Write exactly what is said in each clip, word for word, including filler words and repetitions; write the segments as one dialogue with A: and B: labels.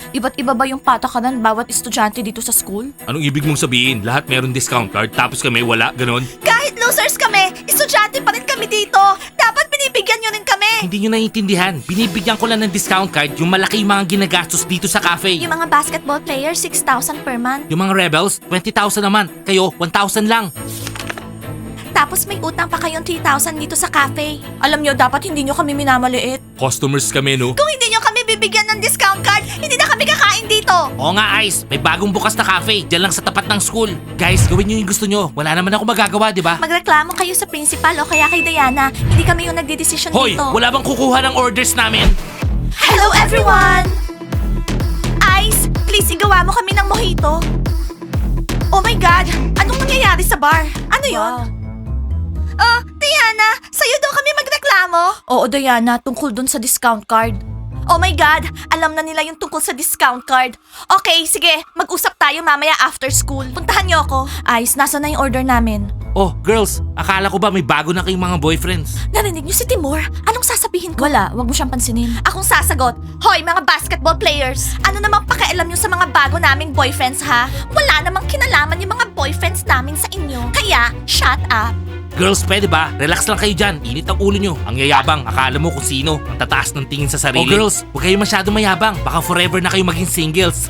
A: Iba't iba ba yung patakaran bawat estudyante dito sa school?
B: Anong ibig mong sabihin? Lahat meron discount card tapos kami wala, ganon?
A: Kahit losers kami, estudyante pa rin kami dito. Dapat binibigyan nyo rin kami.
B: Hindi nyo naiintindihan. Binibigyan ko lang ng discount card yung malaki yung mga ginagastos dito sa cafe.
A: Yung mga basketball players, six thousand per month.
B: Yung mga rebels, twenty thousand naman. Kayo, one thousand lang.
A: Tapos may utang pa kayong three thousand dito sa cafe. Alam nyo, dapat hindi nyo kami minamaliit.
B: Customers kami, no?
A: Kung hindi nyo kami bibigyan ng discount card, hindi na kami kakain dito.
B: Oo nga, Ice. May bagong bukas na cafe. Diyan lang sa tapat ng school. Guys, gawin nyo yung gusto nyo. Wala naman ako magagawa, di ba?
A: Magreklamo kayo sa principal o kaya kay Diana. Hindi kami yung nagdedesisyon
B: Hoy,
A: dito.
B: wala bang kukuha ng orders namin?
A: Hello everyone! Ice, please igawa mo kami ng mojito. Oh my God! Anong nangyayari sa bar? Ano yon? Oh, Diana! Sa'yo daw kami magreklamo? Oo, Diana. Tungkol dun sa discount card. Oh my God! Alam na nila yung tungkol sa discount card. Okay, sige. Mag-usap tayo mamaya after school. Puntahan niyo ako. Ice, nasa na yung order namin?
B: Oh, girls, akala ko ba may bago na kayong mga boyfriends?
A: Narinig niyo si Timur? Anong sasabihin ko? Wala, wag mo siyang pansinin. Akong sasagot. Hoy, mga basketball players! Ano namang pakialam niyo sa mga bago naming boyfriends, ha? Wala namang kinalaman yung mga boyfriends namin sa inyo. Kaya, shut up.
B: Girls, pwede ba? Relax lang kayo dyan. Init ang ulo nyo. Ang yayabang. Akala mo kung sino. Ang tataas ng tingin sa sarili. Oh, girls, huwag kayo masyado mayabang. Baka forever na kayo maging singles.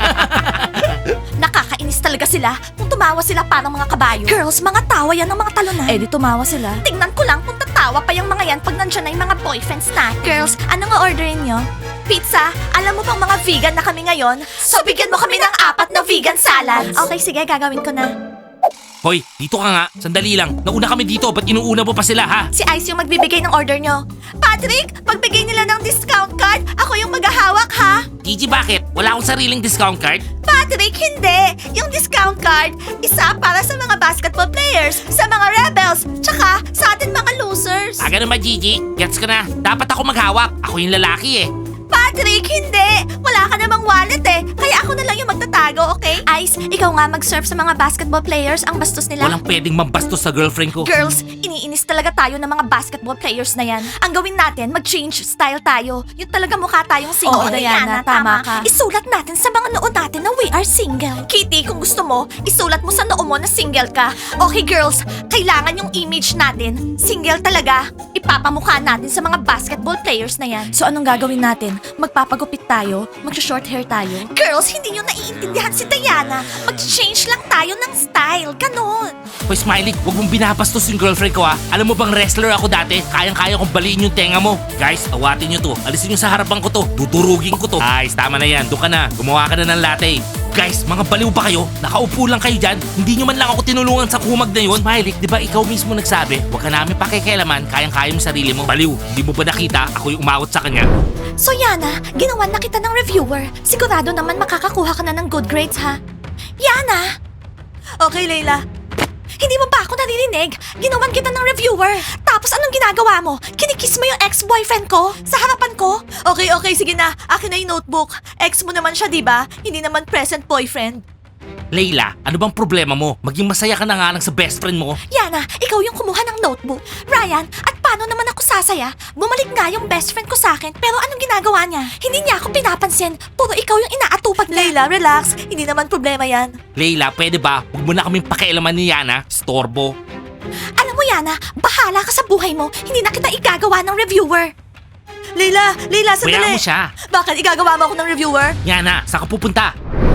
A: Nakakainis talaga sila kung tumawa sila parang mga kabayo. Girls, mga tawa yan ng mga talunan. Eh di tumawa sila. Tingnan ko lang kung tatawa pa yung mga yan pag nandiyan na yung mga boyfriends natin. Girls, ano nga orderin nyo? Pizza, alam mo bang mga vegan na kami ngayon? So bigyan mo kami ng apat na vegan salads. Okay, sige, gagawin ko na.
B: Hoy, dito ka nga. Sandali lang. Nauna kami dito. Ba't inuuna mo pa sila, ha?
A: Si Ice yung magbibigay ng order nyo. Patrick, magbigay nila ng discount card. Ako yung maghahawak, ha?
B: Gigi, bakit? Wala akong sariling discount card?
A: Patrick, hindi. Yung discount card, isa para sa mga basketball players, sa mga rebels, tsaka sa atin mga losers.
B: Ah, ganun ba, Gigi? Gets ka na. Dapat ako maghawak. Ako yung lalaki, eh.
A: Patrick, hindi. Wala ka namang wallet eh. Kaya ako na lang yung magtatago, okay? Ice, ikaw nga mag-serve sa mga basketball players. Ang bastos nila.
B: Walang pwedeng mambastos sa girlfriend ko.
A: Girls, iniinis talaga tayo ng mga basketball players na yan. Ang gawin natin, mag-change style tayo. Yung talaga mukha tayong single.
C: Oo, Diana, tama ka.
A: Isulat natin sa mga noo natin na we are single. Kitty, kung gusto mo, isulat mo sa noo mo na single ka. Okay, girls, kailangan yung image natin. Single talaga. Ipapamukha natin sa mga basketball players na yan. So anong gagawin natin? Magpapagupit tayo? Mag-short hair tayo? Girls, hindi nyo naiintindihan si Diana. Mag-change lang tayo ng style. Ganon.
B: Hoy, Smiley, huwag mong binabastos yung girlfriend ko, ha? Alam mo bang wrestler ako dati? Kayang-kaya kong baliin yung tenga mo. Guys, awatin nyo to. Alisin nyo sa harapan ko to. Dudurugin ko to. Guys, tama na yan. Doon ka na. Gumawa ka na ng latte. Guys, mga baliw ba kayo? Nakaupo lang kayo dyan? Hindi nyo man lang ako tinulungan sa kumag na yun? Smiley, di ba ikaw mismo nagsabi? Huwag ka namin pakikialaman. Kayang-kaya mo sarili mo. Baliw, hindi mo ba nakita? Ako yung umawat sa kanya.
A: So Yana, ginawan na kita ng reviewer. Sigurado naman makakakuha ka na ng good grades, ha? Yana! Okay, Layla. Hindi mo ba ako naririnig? Ginawan kita ng reviewer. Tapos anong ginagawa mo? Kinikiss mo yung ex-boyfriend ko? Sa harapan ko? Okay, okay, sige na. Akin na yung notebook. Ex mo naman siya, di ba? Hindi naman present boyfriend.
B: Layla, ano bang problema mo? Maging masaya ka na nga lang sa best friend mo.
A: Yana, ikaw yung kumuha ng notebook. Ryan, at paano naman ako sasaya? Bumalik nga yung best friend ko sa akin, pero anong ginagawa niya? Hindi niya ako pinapansin. Puro ikaw yung inaatupag niya. Layla, relax. Hindi naman problema yan.
B: Layla, pwede ba? Huwag mo na kaming pakialaman ni Yana. Storbo.
A: Alam mo, Yana, bahala ka sa buhay mo. Hindi na kita igagawa ng reviewer. Layla, Layla,
B: Kaya mo siya.
A: Bakit igagawa mo ako ng reviewer?
B: Yana, saan ka pupunta?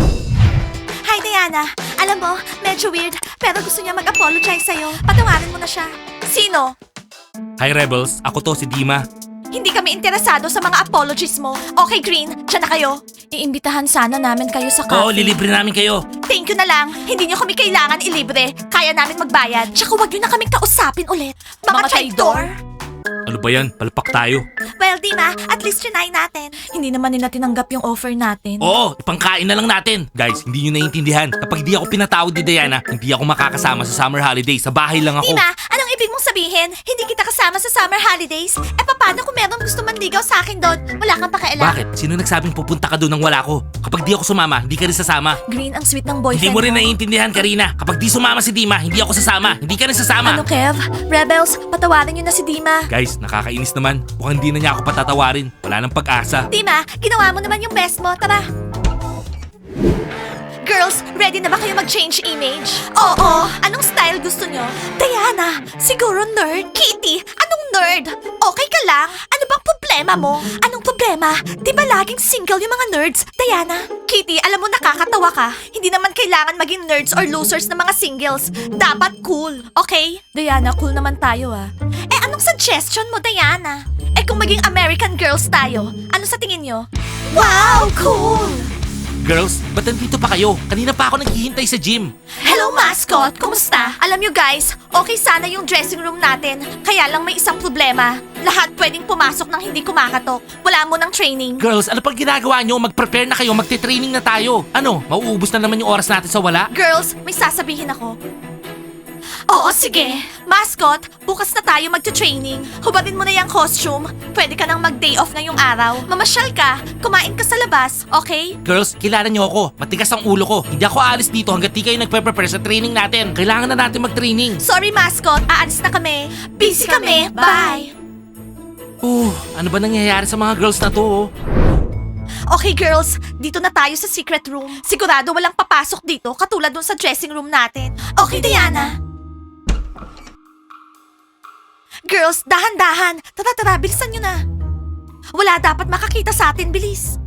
A: Hi, Diana. Alam mo, medyo weird, pero gusto niya mag-apologize sa'yo. Patawarin mo na siya. Sino?
B: Hi Rebels, ako to si Dima.
A: Hindi kami interesado sa mga apologies mo. Okay, Green, dyan na kayo. Iimbitahan sana namin kayo sa
B: Oo, lilibre namin kayo.
A: Thank you na lang. Hindi niyo kami kailangan ilibre. Kaya namin magbayad. Tsaka huwag niyo na kaming kausapin ulit. Mga,
C: Mga
A: traidor.
B: Ano ba yan? Palpak tayo.
A: Well, Dima, at least trinay natin. Hindi naman nila tinanggap yung offer natin.
B: Oo, ipangkain na lang natin. Guys, hindi nyo naiintindihan. Kapag di ako pinatawad ni Diana, hindi ako makakasama sa summer holiday. Sa bahay lang ako.
A: Dima, anong ibig mong sabihin? Hindi kita kasama sa summer holidays? Eh, paano kung meron gusto manligaw sa akin doon? Wala kang pakialam.
B: Bakit? Sino nagsabing pupunta ka doon nang wala ko? Kapag di ako sumama, hindi ka rin sasama.
A: Green, ang sweet ng boyfriend
B: Hindi mo rin naiintindihan, Karina. Kapag di sumama si Dima, hindi ako sasama. Hindi ka rin sasama.
A: Ano, Kev? Rebels, patawarin niyo na si Dima.
B: Guys, nakakainis naman. Mukhang hindi na niya ako patatawarin. Wala nang pag-asa.
A: Dima, ginawa mo naman yung best mo. Tara. Girls, ready na ba kayo mag-change image? Oo. Anong style gusto nyo? Diana, siguro nerd. Kitty, anong nerd? Okay ka lang? Ano bang problema mo? Anong problema? Di ba laging single yung mga nerds? Diana? Kitty, alam mo nakakatawa ka. Hindi naman kailangan maging nerds or losers na mga singles. Dapat cool, okay? Diana, cool naman tayo ah. Eh anong suggestion mo, Diana? Eh kung maging American girls tayo, ano sa tingin nyo? Wow, cool!
B: Girls, ba't nandito pa kayo? Kanina pa ako naghihintay sa gym.
A: Hello, mascot! Kumusta? Alam nyo guys, okay sana yung dressing room natin. Kaya lang may isang problema. Lahat pwedeng pumasok nang hindi kumakatok. Wala mo ng training.
B: Girls, ano pang ginagawa nyo? Mag-prepare na kayo, magte-training na tayo. Ano, mauubos na naman yung oras natin sa wala?
A: Girls, may sasabihin ako. Oo, sige. Mascot, bukas na tayo magta-training. Hubadin mo na yung costume. Pwede ka nang mag-day off ngayong araw. Mamasyal ka, kumain ka sa labas, okay?
B: Girls, kilala nyo ako. Matigas ang ulo ko. Hindi ako aalis dito hanggat di kayo nagpe-prepare sa training natin. Kailangan na natin mag-training.
A: Sorry, mascot. Aalis na kami. Busy kami. Bye.
B: Uh, ano ba nangyayari sa mga girls na to? oh?
A: Okay girls, dito na tayo sa secret room. Sigurado walang papasok dito katulad dun sa dressing room natin. Okay, Diana? Girls, dahan-dahan. Tara, tara, bilisan nyo na. Wala dapat makakita sa atin, bilis.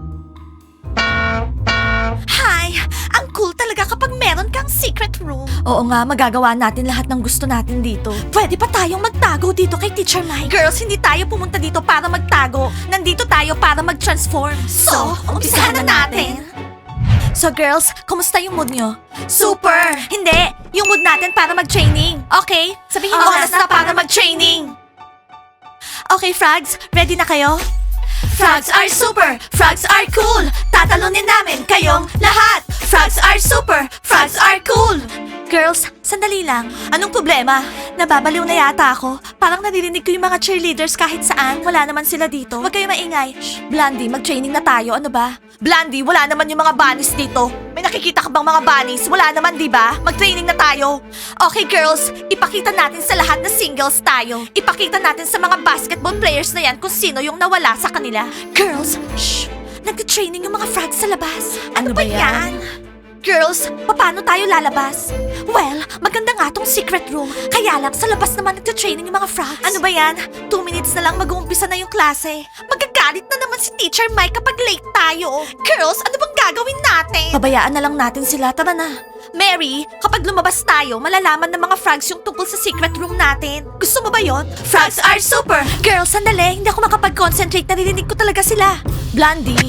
A: Hi! Ang cool talaga kapag meron kang secret room. Oo nga, magagawa natin lahat ng gusto natin dito. Pwede pa tayong magtago dito kay Teacher Mike. Girls, hindi tayo pumunta dito para magtago. Nandito tayo para mag-transform. So, umpisahan na natin. So girls, kumusta yung mood nyo? Super! Hindi! Yung mood natin para mag-training. Okay? Sabihin mo oras na para mag-training. Okay, Frogs, ready na kayo? Frogs are super! Frogs are cool! Tatalunin namin kayong lahat! Frogs are super! Frogs are cool! Girls, sandali lang. Anong problema? Nababaliw na yata ako. Parang naririnig ko yung mga cheerleaders kahit saan. Wala naman sila dito. Huwag kayo maingay. Shh, Blondie, mag-training na tayo. Ano ba? Blondie, wala naman yung mga bunnies dito. May nakikita ka bang mga bunnies? Wala naman, di ba? Mag-training na tayo. Okay, girls. Ipakita natin sa lahat na singles tayo. Ipakita natin sa mga basketball players na yan kung sino yung nawala sa kanila. Girls, shh! Nag-training yung mga frogs sa labas. Ano, ba yan? Girls, paano tayo lalabas? Well, maganda nga tong secret room. Kaya lang, sa labas naman nagta-training yung mga frogs. Ano ba yan? Two minutes na lang mag-uumpisa na yung klase. Magagalit na naman si Teacher Mike kapag late tayo. Girls, ano bang gagawin natin? Pabayaan na lang natin sila. Tara na. Mary, kapag lumabas tayo, malalaman ng mga frogs yung tungkol sa secret room natin. Gusto mo ba yon? Frogs are super! Girls, sandali. Hindi ako makapag-concentrate. Naririnig ko talaga sila. Blondie.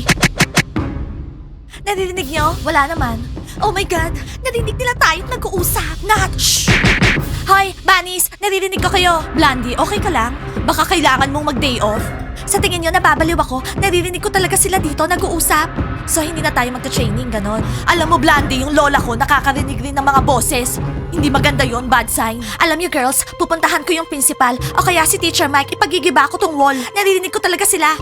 A: Naririnig nyo? Wala naman. Oh my God! Narinig nila tayong nag-uusap. Nat! Shh! Hoy, Bunnies! Naririnig ko kayo. Blondie, okay ka lang? Baka kailangan mong mag-day off? Sa tingin nyo, nababaliw ako. Naririnig ko talaga sila dito nag-uusap. So, hindi na tayo magta-training, ganon. Alam mo, Blondie, yung lola ko nakakarinig rin ng mga boses. Hindi maganda yon, bad sign. Alam niyo, girls, pupuntahan ko yung principal o kaya si Teacher Mike, ipagigiba ko tong wall. Naririnig ko talaga sila.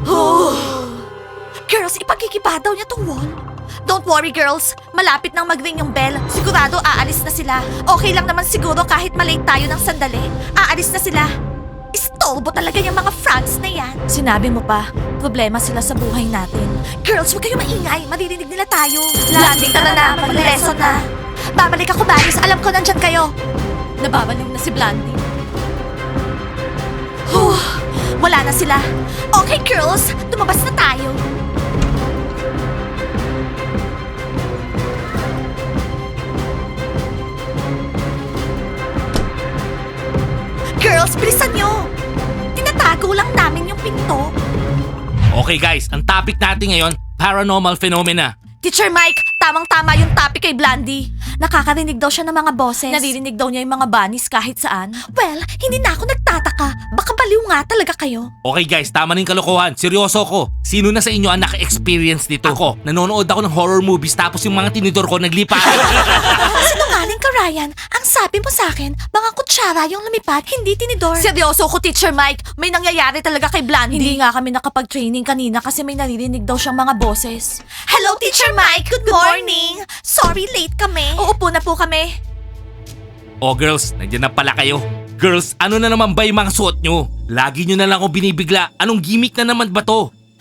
A: Girls, ipagigiba daw niya tong wall. Don't worry, girls. Malapit nang mag-ring yung bell. Sigurado aalis na sila. Okay lang naman siguro kahit malate tayo ng sandali. Aalis na sila. Istorbo talaga yung mga frogs na yan. Sinabi mo pa, problema sila sa buhay natin. Girls, huwag kayo maingay. Maririnig nila tayo. Landing, tara na. Mag-lesson na. Babalik ako, Baris. Alam ko nandyan kayo. Nababaliw na si Blandy. Huh, wala na sila. Okay, girls. Tumabas na tayo. Girls, bilisan nyo! Tinatago lang namin yung pinto.
B: Okay guys, ang topic natin ngayon, paranormal phenomena.
A: Teacher Mike, tamang-tama yung topic kay Blandy. Nakakarinig daw siya ng mga boses. Naririnig daw niya yung mga bunnies kahit saan. Well, hindi na ako nagtataka. Baka baliw nga talaga kayo.
B: Okay guys, tama na yung kalokohan. Seryoso ko. Sino na sa inyo ang naka-experience dito? Ako, nanonood ako ng horror movies tapos yung mga tinidor ko naglipa.
A: Sinungaling ka, Ryan. Ang sabi mo sa akin, mga kutsara yung lumipad, hindi tinidor. Seryoso ko, Teacher Mike. May nangyayari talaga kay Blandy. Hindi nga kami nakapag-training kanina kasi may naririnig daw siyang mga boses. Hello, Teacher Mike. Good morning. Sorry, late kami. Uupo na po kami.
B: Oh girls, nandiyan na pala kayo. Girls, ano na naman ba yung mga suot nyo? Lagi nyo na lang ako binibigla. Anong gimmick na naman ba to?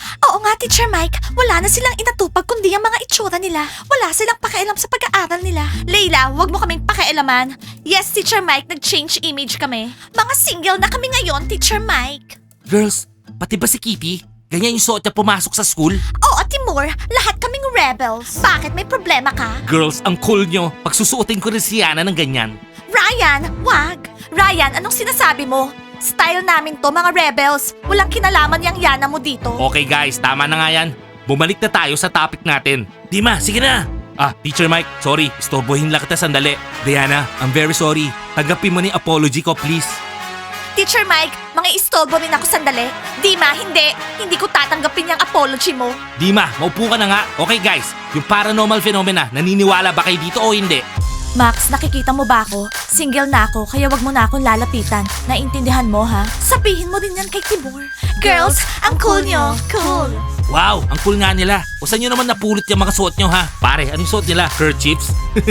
A: Oo nga, Teacher Mike. Wala na silang inatupag kundi ang mga itsura nila. Wala silang pakialam sa pag-aaral nila. Leila, wag mo kaming pakialaman. Yes, Teacher Mike, nag-change image kami. Mga single na kami ngayon, Teacher Mike.
B: Girls, pati ba si Kitty? Ganyan yung suot niya pumasok sa school?
A: Oo, Timur, lahat kaming rebels. Bakit may problema ka?
B: Girls, ang cool nyo. Pagsusuotin ko rin si Yana ng ganyan.
A: Ryan, wag! Ryan, anong sinasabi mo? Style namin to, mga rebels. Walang kinalaman yung Yana mo dito.
B: Okay guys, tama na nga yan. Bumalik na tayo sa topic natin. Dima, sige na. Ah, Teacher Mike, sorry. Istorbohin lang kita sandali. Diana, I'm very sorry. Tanggapin mo ni apology ko, please.
A: Teacher Mike, mga istolbo rin ako sandali. Dima, hindi. Hindi ko tatanggapin yung apology mo.
B: Dima, maupo ka na nga. Okay guys, yung paranormal phenomena, naniniwala ba kayo dito o hindi?
A: Max, nakikita mo ba ako? Single na ako, kaya wag mo na akong lalapitan. Naintindihan mo, ha? Sabihin mo din yan kay Timur. Girls, ang cool nyo. Cool.
B: Wow, ang cool nga nila. O saan nyo naman napulot yung mga suot nyo ha? Pare, anong suot nila? Kerchiefs?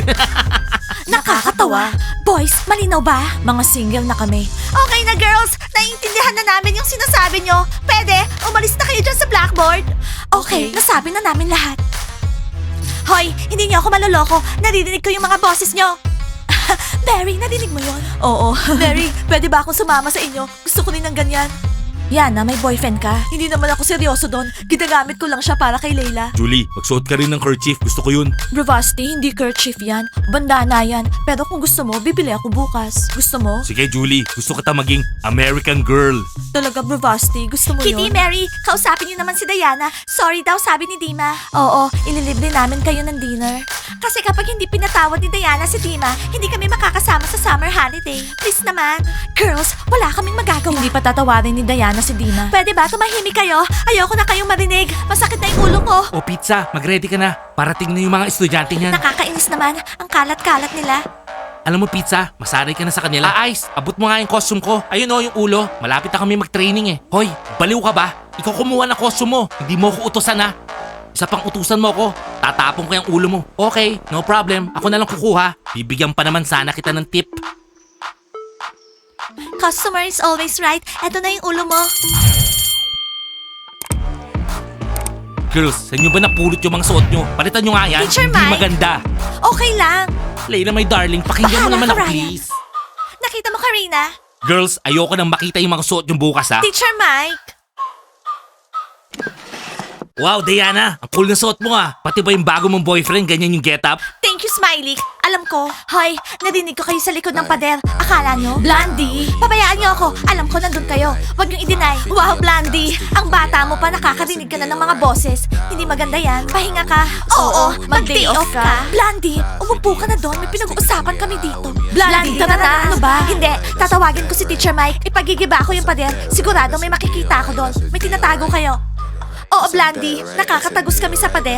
A: Nakakatawa. Boys, malinaw ba? Mga single na kami. Okay na, girls. Naiintindihan na namin yung sinasabi nyo. Pwede, umalis na kayo dyan sa blackboard. Okay, nasabi na namin lahat. Hoy, hindi niyo ako maloloko. Naririnig ko yung mga boses niyo. Mary, narinig mo yon? Oo. Mary, pwede ba akong sumama sa inyo? Gusto ko rin ng ganyan. Yana, may boyfriend ka? Hindi naman ako seryoso doon. Ginagamit ko lang siya para kay Layla.
B: Julie, magsuot ka rin ng kerchief. Gusto ko yun.
A: Bravasti, hindi kerchief yan. Bandana yan. Pero kung gusto mo, bibili ako bukas. Gusto mo?
B: Sige Julie, gusto kita maging American girl.
A: Talaga, Bravasti, gusto mo Kitty, yun? Kitty, Mary, kausapin niyo naman si Diana. Sorry daw, sabi ni Dima. Oo, ililibre namin kayo ng dinner. Kasi kapag hindi pinatawad ni Diana si Dima, hindi kami makakasama sa summer holiday. Please naman. Girls, wala kaming magagawa. Hindi pa tatawarin ni Diana si Dima. Pwede ba tumahimik kayo? Ayoko na kayong marinig. Masakit na yung ulo ko.
B: O pizza, mag-ready ka na. Parating na yung mga estudyante niyan.
A: Nakakainis naman. Ang kalat-kalat nila.
B: Alam mo pizza, masanay ka na sa kanila. Ah, Ice, abot mo nga yung costume ko. Ayun o, yung ulo. Malapit na kami mag-training eh. Hoy, baliw ka ba? Ikaw kumuha ng costume mo. Hindi mo ko utusan ha. Isa pang utusan mo ko. Tatapon ko yung ulo mo. Okay, no problem. Ako na lang kukuha. Bibigyan pa naman sana kita ng tip.
A: Customer is always right. Eto na yung ulo mo.
B: Girls, sa inyo ba napulot yung mga suot nyo? Palitan nyo nga yan.
A: Teacher
B: Hindi
A: Mike.
B: maganda.
A: Okay lang.
B: Layla, my darling, pakinggan mo
A: Bahala
B: naman
A: ka,
B: ako,
A: Ryan.
B: please.
A: Nakita mo, Karina?
B: Girls, ayoko nang makita yung mga suot yung bukas, ha?
A: Teacher Mike.
B: Wow, Diana, ang cool na suot mo, ha? Pati ba yung bago mong boyfriend, ganyan yung get up?
A: Thank you, Smiley. Alam ko. Hoy, narinig ko kayo sa likod ng pader. Akala nyo? Blondie. Pabayaan nyo ako. Alam ko nandun kayo. Huwag nyo i-deny. Wow, Blondie. Ang bata mo pa nakakarinig ka na ng mga boses. Hindi maganda yan. Pahinga ka. Oo, mag-day off ka. Blondie, umupo ka na doon. May pinag-uusapan kami dito. Blondie, tara na. Ano ba? Hindi. Tatawagin ko si Teacher Mike. Ipagigiba ko yung pader. Sigurado may makikita ako doon. May tinatago kayo. Oo, Blondie. Nakakatagos kami sa pader.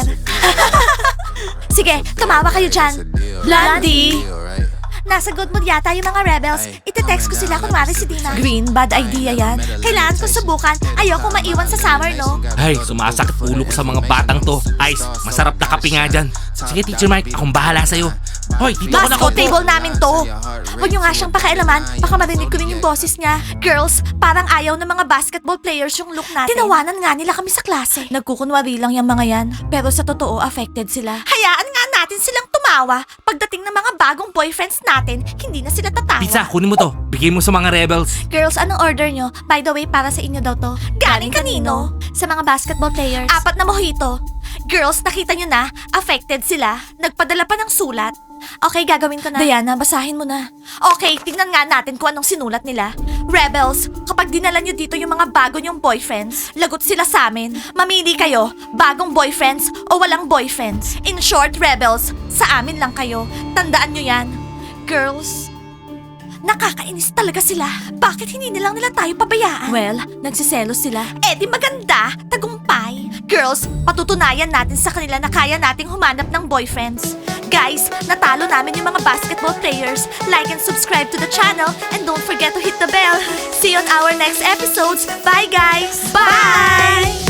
A: Sige, tumawa kayo dyan. Blondie! Nasa good mood yata yung mga rebels. Ite-text ko sila kunwari si Dina. Green, bad idea yan. Kailangan ko subukan. Ayoko maiwan sa summer, no?
B: Ay, sumasakit ulo ko sa mga batang to. Ice, masarap na kape nga dyan. Sige, Teacher Mike, akong bahala sa'yo. Hoy, dito ako
A: Mascot
B: nakaupo.
A: table namin to. Huwag nyo nga siyang pakialaman. Baka marinig ko rin yung boses niya. Girls, parang ayaw ng mga basketball players yung look natin. Tinawanan nga nila kami sa klase. Nagkukunwari lang yung mga yan. Pero sa totoo, affected sila. Hayaan nga natin silang tumawa. Pagdating ng mga bagong boyfriends natin, hindi na sila tatawa.
B: Pizza, kunin mo to. Bigay mo sa mga rebels.
A: Girls, anong order nyo? By the way, para sa inyo daw to. Galing kanino? Sa mga basketball players. Apat na mojito. Girls, nakita nyo na, affected sila. Nagpadala pa ng sulat. Okay, gagawin ko na. Diana, basahin mo na. Okay, tingnan nga natin kung anong sinulat nila. Rebels, kapag dinala nyo dito yung mga bago nyong boyfriends, lagot sila sa amin. Mamili kayo, bagong boyfriends o walang boyfriends. In short, rebels, sa amin lang kayo. Tandaan nyo yan. Girls, nakakainis talaga sila. Bakit hindi nilang nila tayo pabayaan? Well, nagsiselos sila. Eh di maganda, tagumpay. Girls, patutunayan natin sa kanila na kaya nating humanap ng boyfriends. Guys, natalo namin yung mga basketball players. Like and subscribe to the channel and don't forget to hit the bell. See you on our next episodes. Bye guys! Bye!